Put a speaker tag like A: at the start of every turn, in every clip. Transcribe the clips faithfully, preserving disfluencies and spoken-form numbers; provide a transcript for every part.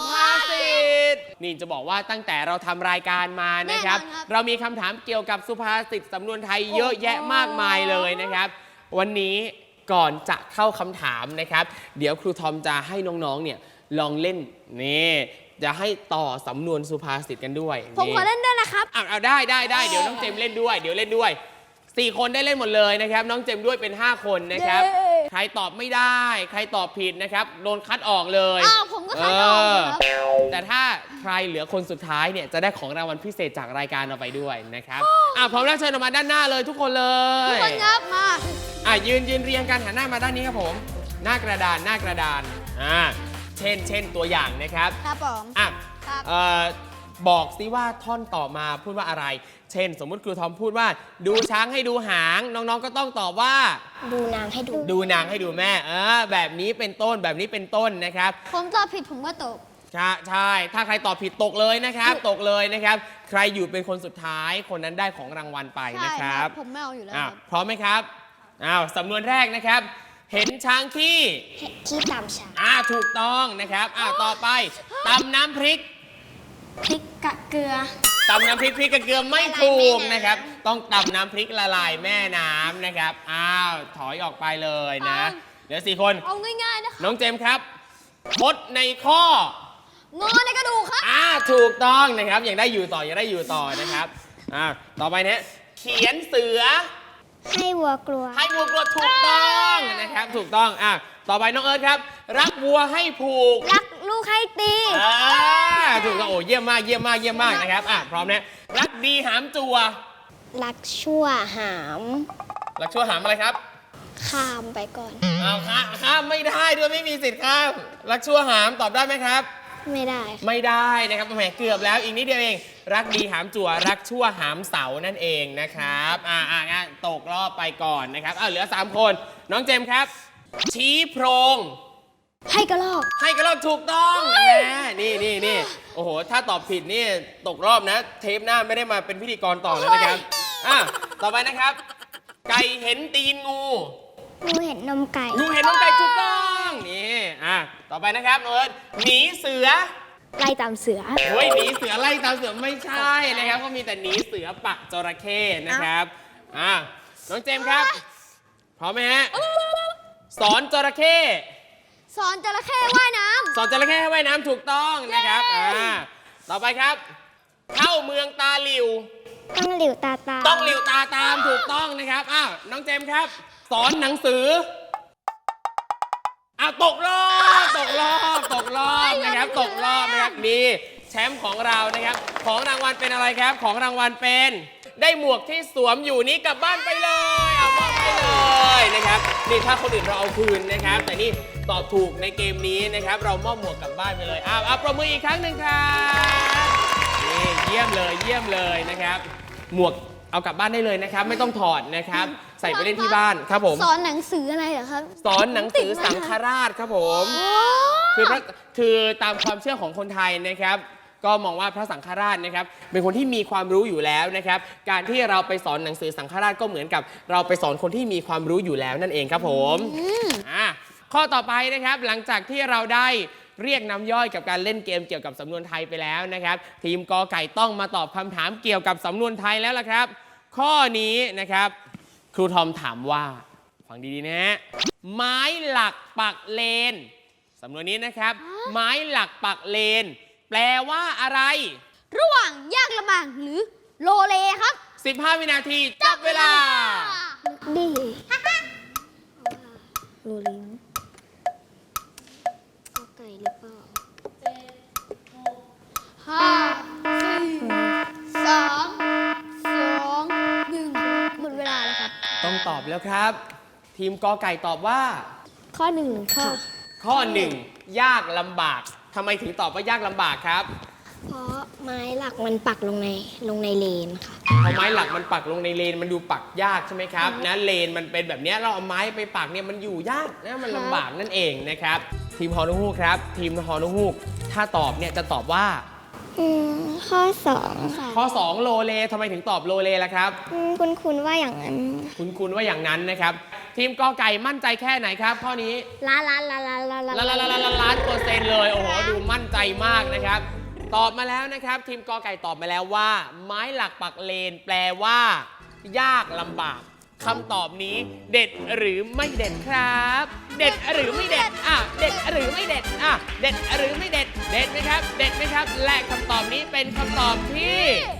A: ภาษิตนี่จะบอกว่าตั้งแต่เราทำรายการมานะครับเรามีคำถามเกี่ยวกับสุภาษิตสำนวนไทยเยอะแยะมากมายเลยนะครับวันนี้ก่อนจะเข้าคำถามนะครับเดี๋ยวครูทอมจะให้น้องๆเนี่ยลองเล่นนี่จะให้ต่อสำนวนสุภาษิตกันด้วย
B: ผมขอเล่นด้วยนะครับ
A: เอาเอาได้ได้ได้เดี๋ยวน้องเจมเล่นด้วยเดี๋ยวเล่นด้วยสี่คนได้เล่นหมดเลยนะครับน้องเจมด้วยเป็นห้าคนนะครับใครตอบไม่ได้ใครตอบผิดนะครับโดนคัดออกเลย
B: อ้าวผมก็คัดออกครับ
A: แต่ถ้าใครเหลือคนสุดท้ายเนี่ยจะได้ของรางวัลพิเศษจากรายการเราไปด้วยนะครับอ่ะพร้อมแล้วเชิญออกมาด้านหน้าเลยทุกคนเลย
B: ทุกคนครับมา
A: อ่ะยืนยืนเรียงกันหันหน้ามาด้านนี้ครับผมหน้ากระดานหน้ากระดานอ่าเช่นเช่นตัวอย่างนะครับ
B: ครับผม
A: อ่ะเอ่อบอกซิว่าท่อนต่อมาพูดว่าอะไรเช่นสมมุติครูทอมพูดว่าดูช้างให้ดูหางน้องๆก็ต้องตอบว่า
B: ดูนางให้ดู
A: ดูนางให้ดูแม่เออแบบนี้เป็นต้นแบบนี้เป็นต้นนะครับ
B: ผมตอบผิดผมก็ตก
A: ใช่ใช่ถ้าใครตอบผิดตกเลยนะครับตกเลยนะครับใครอยู่เป็นคนสุดท้ายคนนั้นได้ของรางวัลไปนะครับ
B: ผมไม่เอาอยู่แล้ว
A: พร้อมไหมครับอ้าวสำนวนแรกนะครับเห็นช้างขี้
B: ขี้ตำช้าง
A: อ่าถูกต้องนะครับอ่าต่อไปตำน้ำพริก
B: พริกกะเกลือ
A: ตำน้ำพริกพริกกระเกลือไม่ถูกนะครับต้องตำน้ำพริกละลายแม่น้ำนะครับอ้าวถอยออกไปเลยนะเดี๋ยวสี่คน
B: เอาง่ายๆนะคะ
A: น้องเจมส์ครับมดในข้อง
B: อในกระดูกครับ
A: อ่าถูกต้องนะครับยังได้อยู่ต่อยังได้อยู่ต่อนะครับอ่าต่อไปเนี่ยเขียนเสือ
B: ให้วัวกลัว
A: ให้วัวกลัวถูกต้องนะครับถูกต้องอ่ะต่อไปน้องเอิร์ธครับรักวัวให้ผูก
B: รักลูกให้ตี
A: อ่าถูกต้องโอ้เยี่ยมมากเยี่ยมมากเยี่ยมมากนะครับอ่ะพร้อมนะรักดีหามจัว
B: รักชั่วหาม
A: รักชั่วหามอะไรครับ
B: ข้ามไปก่อน
A: อ้าวข้ามข้ามไม่ได้ด้วยไม่มีสิทธิ์ข้ามรักชั่วหามตอบได้ไหมครับ
B: ไม่ได้
A: ไม่ได้นะครับแหมเกือบแล้วอีกนิดเดียวเองรักดีหามจั่วรักชั่วหามเสานั่นเองนะครับอ่าอ่างั้นตกรอบไปก่อนนะครับอ่าเหลือสามคนน้องเจมส์ครับชี้โพรง
B: ให้กระรอก
A: ให้กระรอกถูกต้องนะนี่นี่นี่โอ้โหถ้าตอบผิดนี่ตกรอบนะเทปหน้าไม่ได้มาเป็นพิธีกรต่อแล้วนะครับอ่ะต่อไปนะครับไก่เห็นตีนงู
B: งูเห็นนมไก่
A: งูเห็นนมไก่ถูกต้องนี่อ่ะต่อไปนะครับเอิร์ธหนีเสือ
B: ไล่ตามเสือ
A: โอ้ยหนีเสือไล่ตามเสือไม่ใช่นะครับก็มีแต่หนีเสือปักจระเข้นะครับอ่ะน้องเจมส์ครับพร้อมไหมฮะสอนจระเข้
B: สอนจระเข้ว่ายน้
A: ำสอนจระเข้ให้ว่ายน้ำถูกต้องนะครับอ่าต่อไปครับเข้าเมืองตาหลิว
B: ต้องหลิวตาตาม
A: ต้องหลิวตาตามถูกต้องนะครับอ้าวน้องเจมส์ครับสอนหนังสืออ้าวตกรอบตกรอบตกรอบนะครับตกรอบนะครับนี่แชมป์ของเรานะครับของรางวัลเป็นอะไรครับของรางวัลเป็นได้หมวกที่สวมอยู่นี้กลับบ้านไปเลยเอามอบไปเลยนะครับนี่ถ้าคนอื่นเราเอาคืนนะครับแต่นี่ตอบถูกในเกมนี้นะครับเรามอบหมวกกลับบ้านไปเลยอ้าวเอาประมืออีกครั้งหนึ่งครับนี่เยี่ยมเลยเยี่ยมเลยนะครับหมวกเอากลับบ้านได้เลยนะครับไม่ต้องถอดนะครับใส่ไปเล่นที่บ้านครับผม
B: สอนหนังสืออะไรเหรอครับ
A: สอนหนังสือสังฆราชครับผมคือคือตามความเชื่อของคนไทยนะครับก็มองว่าพระสังฆราชนะครับเป็นคนที่มีความรู้อยู่แล้วนะครับการที่เราไปสอนหนังสือสังฆราชก็เหมือนกับเราไปสอนคนที่มีความรู้อยู่แล้วนั่นเองครับผมอ่าข้อต่อไปนะครับหลังจากที่เราได้เรียกน้ำย่อยกับการเล่นเกมเกี่ยวกับสำนวนไทยไปแล้วนะครับทีมกอไก่ต้องมาตอบคำถามเกี่ยวกับสำนวนไทยแล้วล่ะครับข้อนี้นะครับครูทอมถามว่าฟังดีๆนะฮะไม้หลักปักเลนสำนวนนี้นะครับไม้หลักปักเลนแปลว่าอะไร
B: ระหว่างยากลำบากหรือโลเลครับ
A: สิบห้าวินาทีจับเวลา
B: ดีโลเลก็ไก่หรือเปล่าห้าสี่สามสองหนึ่งหมดเวลาแล้วครับ
A: ต้องตอบแล้วครับทีมกอไก่ตอบว่า
B: ข้อหนึ่งค่ะ
A: ข้อหนึ่งยากลำบากทำไมถึงตอบว่ายากลำบากครับ
B: เพราะไม้หลักมันปักลงในลงในเลนค่ะ
A: พอไม้หลักมันปักลงในเลนมันดูปักยากใช่ไหมครับนะเลนมันเป็นแบบนี้เราเอาไม้ไปปักเนี่ยมันอยู่ยากนะมันลำบากนั่นเองนะครับทีมฮอนุฮูกครับทีมฮอนุฮูกถ้าตอบเนี่ยจะตอบว่า
C: อืมข้อสองค่ะ
A: ข้อสองโลเลทำไมถึงตอบโลเลล่ะครับ
C: อืมคุณคุณว่าอย่างนั้น
A: คุณคุณว่าอย่างนั้นนะครับ ทีมกอไก่มั่นใจแค่ไหนครับ ข้อนี้
B: ล้านล้านล้านล้านล้าน
A: ล้านล้านล้านล้านล้านเปอร์เซ็นต์เลย โอ้โห ดูมั่นใจมากนะครับ ตอบมาแล้วนะครับ ทีมกอไก่ตอบมาแล้วว่า ไม้หลักปักเลน แปลว่า ยากลำบากคำตอบนี้เด็ดหรือไม่เด็ดครับ เด็ดหรือไม่เด็ดอ่ะเด็ดหรือไม่เด็ดอ่ะเด็ดหรือไม่เด็ด เด็ดไหมครับ เด็ดไหมครับ และคำตอบนี้เป็นคำตอบที่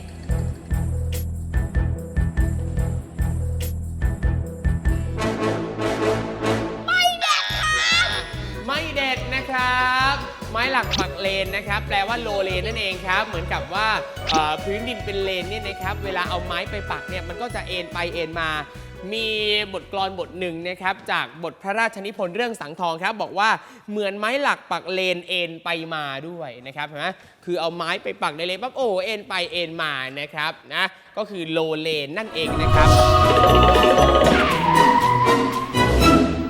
A: ไม่เด็ดนะครับ ไม้หลักปักเลนนะครับ แปลว่าโลเลนนั่นเองครับ เหมือนกับว่าเอ่อพื้นดินเป็นเลนเนี่ยนะครับ เวลาเอาไม้ไปปักเนี่ยมันก็จะเอ็นไปเอ็นมา มีบทกลอนบทหนึ่งนะครับจากบทพระราชนิพนธ์เรื่องสังทองครับบอกว่าเหมือนไม้หลักปักเลนเอ็นไปมาด้วยนะครับเห็นไหมคือเอาไม้ไปปักในเลนปั๊บโอ้เอ็นไปเอ็นมานะครับนะก็คือโลเลนนั่นเองนะครับ